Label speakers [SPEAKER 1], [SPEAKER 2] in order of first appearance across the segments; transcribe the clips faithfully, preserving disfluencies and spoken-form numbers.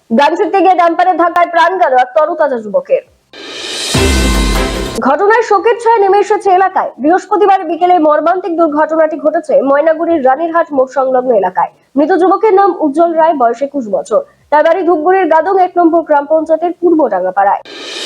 [SPEAKER 1] গান শিখতে গিয়ে ডাম্পারের ধাক্কায় প্রাণ গেল এক তরতাজা যুবকের। ঘটনায় শোকের ছায়া নেমে এসেছে এলাকায়। বৃহস্পতিবার বিকেলে মর্মান্তিক দুর্ঘটনাটি ঘটেছে ময়নাগুড়ির রানীরহাট মোড় সংলগ্ন এলাকায়। মৃত যুবকের নাম উজ্জ্বল রায়, বয়স একুশ বছর। তার বাড়ি ধূপগুড়ির গাদং এক নম্বর গ্রাম পঞ্চায়েতের পূর্বডাঙ্গা পাড়ায়।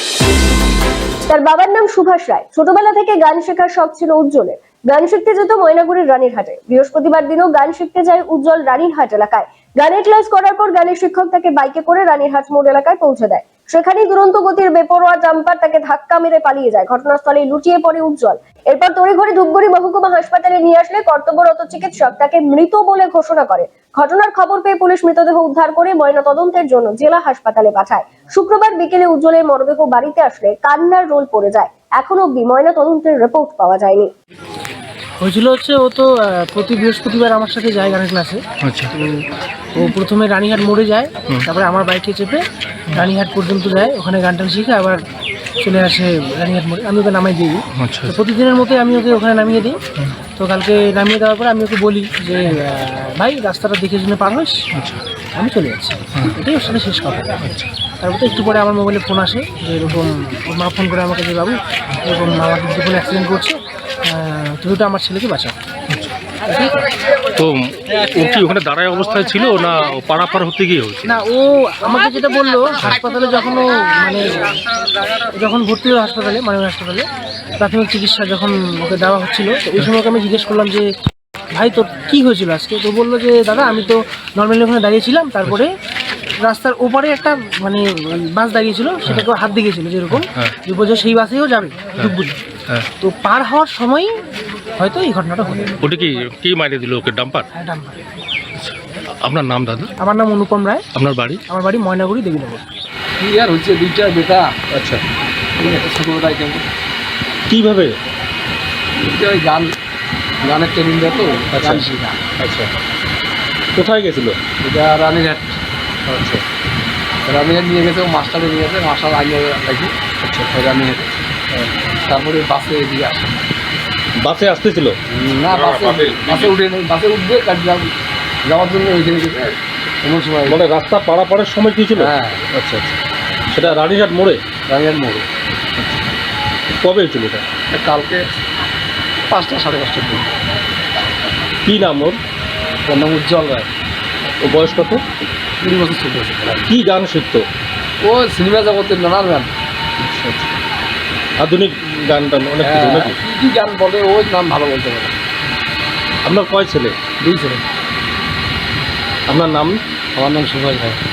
[SPEAKER 1] তার বাবার নাম সুভাষ রায়। ছোটবেলা থেকে গান শেখার শখ ছিল উজ্জ্বলের। গান শিখতে যেত ময়নাগুড়ির রানীরহাটে। বৃহস্পতিবার দিনও গান শিখতে যায় উজ্জ্বল রানীরহাট এলাকায়। গানের ক্লাস করার পর গানের শিক্ষক তাকে বাইকে করে রানীরহাট মোড় এলাকায় পৌঁছে দেয়। সেখানেই দুরন্ত গতির বেপরোয়া ডাম্পার তাকে ধাক্কা মেরে পালিয়ে যায়। ঘটনাস্থলে লুটিয়ে পড়ে উজ্জ্বল। এরপর তড়িঘড়ি ধূপগুড়ি মহকুমা হাসপাতালে নিয়ে আসলে কর্তব্যরত চিকিৎসক তাকে মৃত বলে ঘোষণা করে। ঘটনার খবর পেয়ে পুলিশ মৃতদেহ উদ্ধার করে ময়নাতদন্তের জন্য জেলা হাসপাতালে পাঠায়। শুক্রবার বিকেলে উজ্জ্বলের মরদেহ বাড়িতে আসলে কান্নার রোল পড়ে যায়। এখন অব্দি ময়নাতদন্তের রিপোর্ট পাওয়া যায়নি।
[SPEAKER 2] হয়েছিল হচ্ছে ও তো প্রতি বৃহস্পতিবার আমার সাথে যায় গানের ক্লাসে। আচ্ছা। তো ও প্রথমে রানীহাট মোড়ে যায়, তারপরে আমার বাইকে চেপে রানীহাট পর্যন্ত যায়, ওখানে গান টান শিখে আবার চলে আসে রানীহাট মোড়ে। আমি ওকে নামাই দিই। আচ্ছা। তো প্রতিদিনের মতোই আমি ওকে ওখানে নামিয়ে দিই। তো কালকে নামিয়ে দেওয়ার পরে আমি ওকে বলি যে ভাই রাস্তাটা দেখে শুনে পার হইস। আচ্ছা। আমি চলে যাচ্ছি, এটাই ওর সাথে শেষ কথা। আচ্ছা। তারপর তো একটু পরে আমার মোবাইলে ফোন আসে যে এরকম ওর মা ফোন করে আমাকে যে বাবু এরকম আমার কিন্তু কোনো অ্যাক্সিডেন্ট করছে, তুমি তো আমার ছেলেকে বাঁচাও।
[SPEAKER 3] তো ও কি ওখানে দাঁড়ায় অবস্থায় ছিল না পারাপার হতে গিয়ে হয়েছে?
[SPEAKER 2] না, ও আমাকে যেটা বললো হাসপাতালে যখন ও মানে যখন ভর্তি হলো হাসপাতালে মানে হাসপাতালে প্রাথমিক চিকিৎসা যখন ওকে দেওয়া হচ্ছিল, তো ওই সময় আমি জিজ্ঞেস করলাম যে ভাই তোর কী হয়েছিল আজকে? তো বললো যে দাদা আমি তো নর্মালি ওখানে দাঁড়িয়েছিলাম, তারপরে রাস্তার ওপারে একটা মানে বাস দাঁড়িয়েছিল, সেটাকে হাত দিয়েছিল যেরকম যে বলছে সেই বাসেও যাবে ধূপগুড়ি। তো পার হওয়ার সময় হয়তো এই ঘটনাটা ঘটে।
[SPEAKER 3] ওটা কি কি মাইনে দিল ওকে? ডাম্পার?
[SPEAKER 2] হ্যাঁ, ডাম্পার।
[SPEAKER 3] আপনার নাম দাদা?
[SPEAKER 2] আমার নাম অনুপম রায়।
[SPEAKER 3] আপনার বাড়ি?
[SPEAKER 2] আমার বাড়ি ময়নাগুড়ি দেবীনগর।
[SPEAKER 4] কি আর হচ্ছে দুইটা বেটা। আচ্ছা। ছোটবেলায় কেমন
[SPEAKER 3] কীভাবে?
[SPEAKER 4] ওই গান গানের ট্রেনিং দেয় তো গান শেখা।
[SPEAKER 3] আচ্ছা। কোথায় গেছিল?
[SPEAKER 4] এটা রানীরহাট। আচ্ছা। রানীরহাট নিয়ে গেছে, ও মাস্টারে নিয়ে গেছে, মাস্টার আইনে রাখি। আচ্ছা। রানীরহাট তারপরে বাসে এদিকে আসে।
[SPEAKER 3] বাসে আসতেছিল?
[SPEAKER 4] না, বাসে বাসে উঠে নেই, বাসে উঠবে যাওয়ার জন্য ওইখানে গেছে এমন সময়।
[SPEAKER 3] মানে রাস্তা পারাপারের সময় কি ছিল?
[SPEAKER 4] হ্যাঁ।
[SPEAKER 3] আচ্ছা আচ্ছা। সেটা রানীরহাট মোড়ে?
[SPEAKER 4] রানীরহাট মোড়ে।
[SPEAKER 3] কবে হয়েছিল এটা?
[SPEAKER 4] কালকে পাঁচটা সাড়ে পাঁচটার দিন।
[SPEAKER 3] কী নাম ওর?
[SPEAKER 4] ওর নাম উজ্জ্বল রায়।
[SPEAKER 3] ও বয়স কত?
[SPEAKER 4] কুড়ি বছর ছোট।
[SPEAKER 3] কী গান শিখতো?
[SPEAKER 4] ও সিনেমা জগতের নানান গান।
[SPEAKER 3] আধুনিক গান টান অনেক কিছু নাকি?
[SPEAKER 4] কী কী গান বলে ওই নাম ভালো বলতে পারে।
[SPEAKER 3] আপনার কয় ছেলে?
[SPEAKER 4] দুই ছেলে।
[SPEAKER 3] আপনার নাম?
[SPEAKER 4] আমার নাম সুভাষ ভাই।